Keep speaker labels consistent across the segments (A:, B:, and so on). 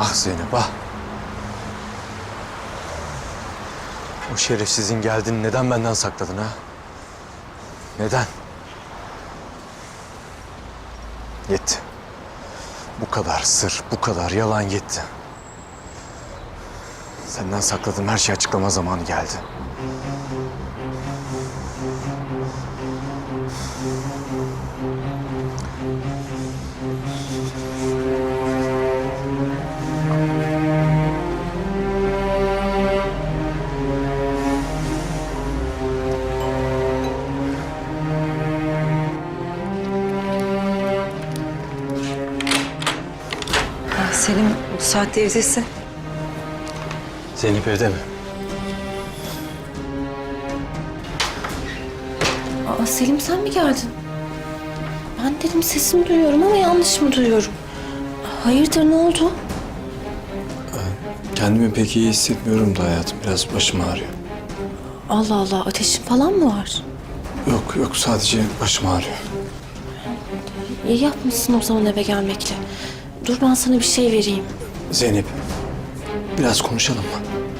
A: Ah Zeynep ah. O şerefsizin geldiğini neden benden sakladın ha? Neden? Yetti. Bu kadar sır, bu kadar yalan yetti. Senden sakladığım her şeyi açıklama zamanı geldi.
B: Selim bu saatte evdesin.
A: Zeynep evde mi?
C: Aa, Selim sen mi geldin? Ben dedim sesini duyuyorum ama yanlış mı duyuyorum? Hayırdır ne oldu?
A: Kendimi pek iyi hissetmiyorum da hayatım. Biraz başım ağrıyor.
C: Allah Allah ateşin falan mı var?
A: Yok sadece başım ağrıyor.
C: İyi yapmışsın o zaman eve gelmekle. Dur ben sana bir şey vereyim.
A: Zeynep biraz konuşalım mı?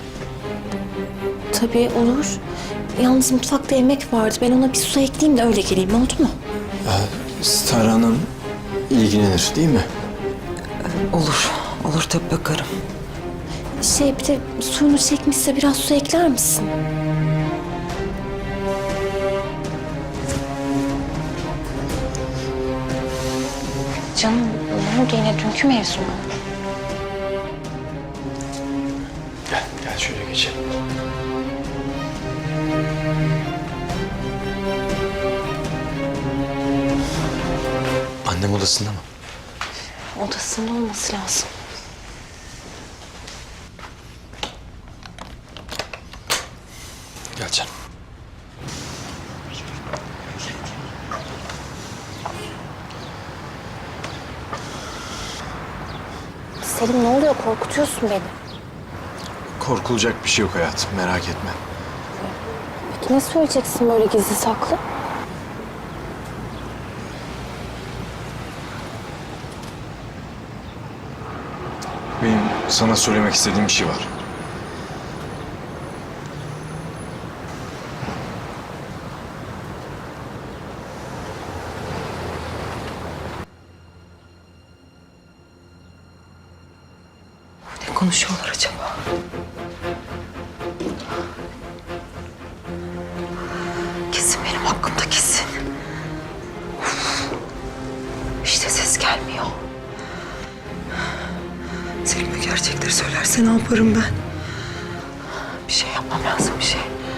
C: Tabii olur. Yalnız mutfakta yemek vardı. Ben ona bir su ekleyeyim de öyle geleyim. Oldu mu?
A: Star Hanım ilgilenir değil mi?
B: Olur tabii bakarım.
C: Bir de suyunu çekmişse biraz su ekler misin? Canım ne oldu yine dünkü mevzu mu?
A: Gel şöyle geçelim. Annem odasında mı?
C: Odasında olması lazım.
A: Gel canım.
C: Selim ne oluyor? Korkutuyorsun beni.
A: Korkulacak bir şey yok hayatım, merak etme.
C: Peki ne söyleyeceksin böyle gizli saklı?
A: Benim sana söylemek istediğim bir şey var.
B: Ne konuşuyorlar acaba? Kesin benim hakkımda kesin. Of. İşte ses gelmiyor. Selim'e gerçekleri söylerse ne yaparım ben? Bir şey yapmam lazım, bir şey.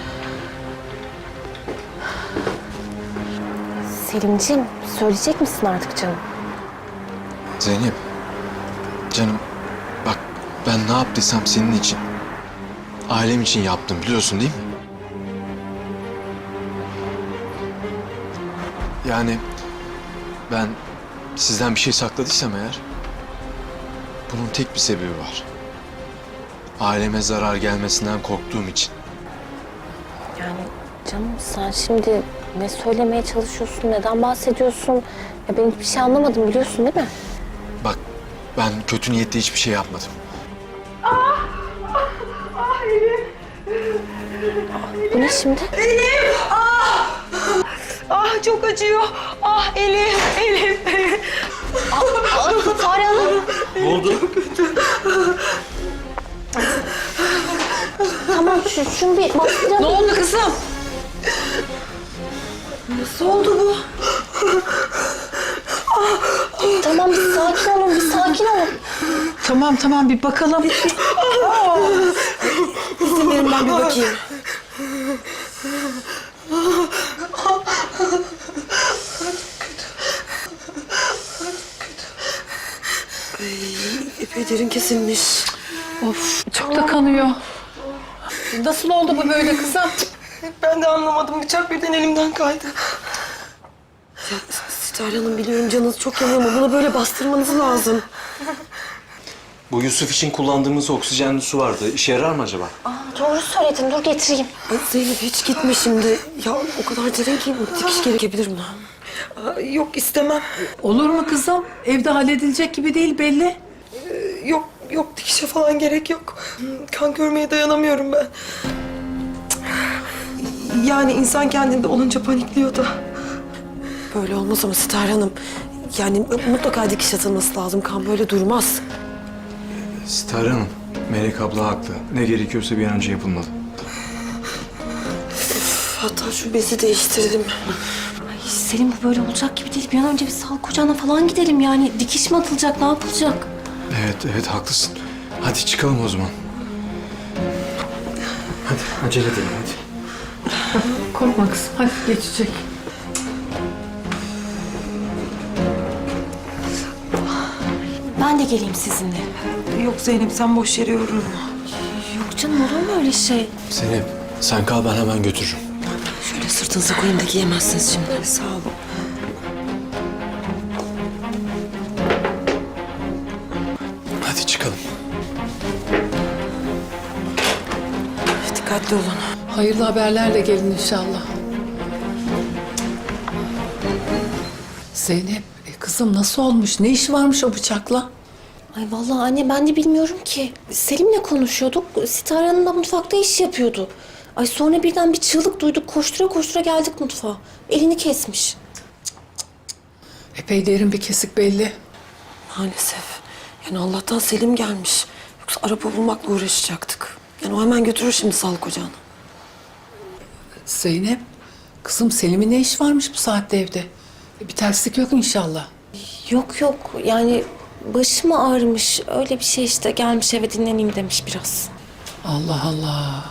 C: Selimciğim söyleyecek misin artık canım?
A: Zeynep, canım bak ben ne yaptıysam senin için, ailem için yaptım biliyorsun değil mi? Yani ben sizden bir şey sakladıysam eğer, bunun tek bir sebebi var. Aileme zarar gelmesinden korktuğum için.
C: Yani canım sen şimdi ne söylemeye çalışıyorsun, neden bahsediyorsun? Ya ben hiçbir şey anlamadım biliyorsun değil mi?
A: Bak ben kötü niyetle hiçbir şey yapmadım.
C: Bu ne şimdi?
B: Ah çok acıyor. Ah elim.
C: Fare Hanım.
A: Ne oldu?
C: Tamam şunu bir bastıralım.
B: Ne oldu kızım? Nasıl oldu bu?
C: Tamam bir sakin olun, bir sakin olun.
B: Tamam bir bakalım.
C: İzin verin ben bir bakayım.
B: Epey derin kesilmiş. Of çok da kanıyor. Nasıl oldu bu böyle kızım?
D: Ben de anlamadım. Bıçak birden elimden kaydı.
E: Star Hanım biliyorum canınız çok yanıyor ama buna böyle bastırmanız lazım.
A: Bu Yusuf için kullandığımız oksijenli su vardı. İşe yarar mı acaba?
C: Doğru söyledin, dur getireyim.
E: Ay Zeynep hiç gitme şimdi. Ya o kadar derin ki dikiş gerekebilir buna.
D: Yok istemem.
B: Olur mu kızım? Evde halledilecek gibi değil belli.
D: Yok Yok, dikişe falan gerek yok. Kan görmeye dayanamıyorum ben. Yani insan kendinde olunca panikliyor da.
E: Böyle olmaz ama Sitar Hanım. Yani mutlaka dikiş atılması lazım. Kan böyle durmaz.
A: Sitar Hanım, Melek abla haklı. Ne gerekiyorsa bir an önce yapılmalı.
E: Hatta şu bezi değiştirdim.
C: Ay Selim, bu böyle olacak gibi değil. Bir an önce bir sağlık ocağına falan gidelim yani. Dikiş mi atılacak, ne yapılacak?
A: Evet haklısın. Hadi çıkalım o zaman. Hadi acele edelim hadi.
B: Korkma kızım. Hadi geçecek.
C: Ben de geleyim sizinle.
D: Yok Zeynep, sen boş yere yorulma.
C: Yok canım, olur mu öyle şey?
A: Zeynep sen kal, ben hemen götürürüm.
E: Şöyle sırtınıza koyayım da giyemezsiniz şimdi. Sağ olun.
A: Hadi çıkalım.
E: Dikkatli olun.
B: Hayırlı haberlerle gelin inşallah. Zeynep, kızım nasıl olmuş? Ne işi varmış o bıçakla?
C: Ay vallahi anne, ben de bilmiyorum ki. Selim'le konuşuyorduk. Sitar Hanım da mutfakta iş yapıyordu. Ay sonra birden bir çığlık duyduk. Koştura koştura geldik mutfağa. Elini kesmiş.
B: Epey derin bir kesik belli.
E: Maalesef. Yani Allah'tan Selim gelmiş. Yoksa araba bulmakla uğraşacaktık. Yani o hemen götürür şimdi sağlık ocağına.
B: Zeynep, kızım Selim'in ne iş varmış bu saatte evde? Bir terslik yok inşallah.
C: Yok yok, yani başım ağrımış. Öyle bir şey işte, gelmiş eve dinleneyim demiş biraz.
B: Allah Allah.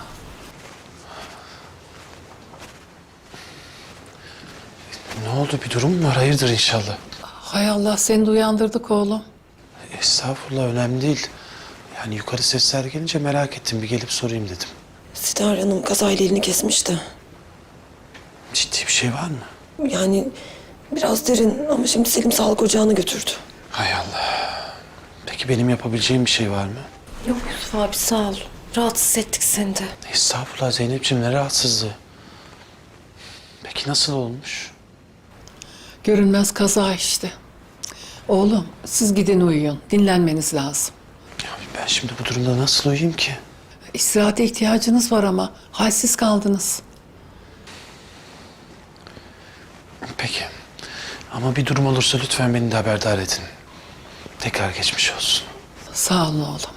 F: Ne oldu? Bir durum mu var? Hayırdır inşallah.
B: Hay Allah, seni de uyandırdık oğlum.
F: Estağfurullah, önemli değil. Yani yukarı sesler gelince merak ettim. Bir gelip sorayım dedim.
E: Sitar Hanım kazayla elini kesmişti.
F: Ciddi bir şey var mı?
E: Yani biraz derin ama şimdi Selim sağlık ocağına götürdü.
F: Hay Allah. Peki benim yapabileceğim bir şey var mı?
C: Yok Yusuf abi, sağ ol. Rahatsız ettik seni de.
F: Estağfurullah Zeynep'ciğim, ne rahatsızlığı. Peki nasıl olmuş?
B: Görünmez kaza işte. Oğlum, siz gidin uyuyun. Dinlenmeniz lazım.
F: Ya ben şimdi bu durumda nasıl uyuyayım ki?
B: İstirahate ihtiyacınız var ama halsiz kaldınız.
F: Peki. Ama bir durum olursa lütfen beni de haberdar edin. Tekrar geçmiş olsun.
B: Sağ olun oğlum.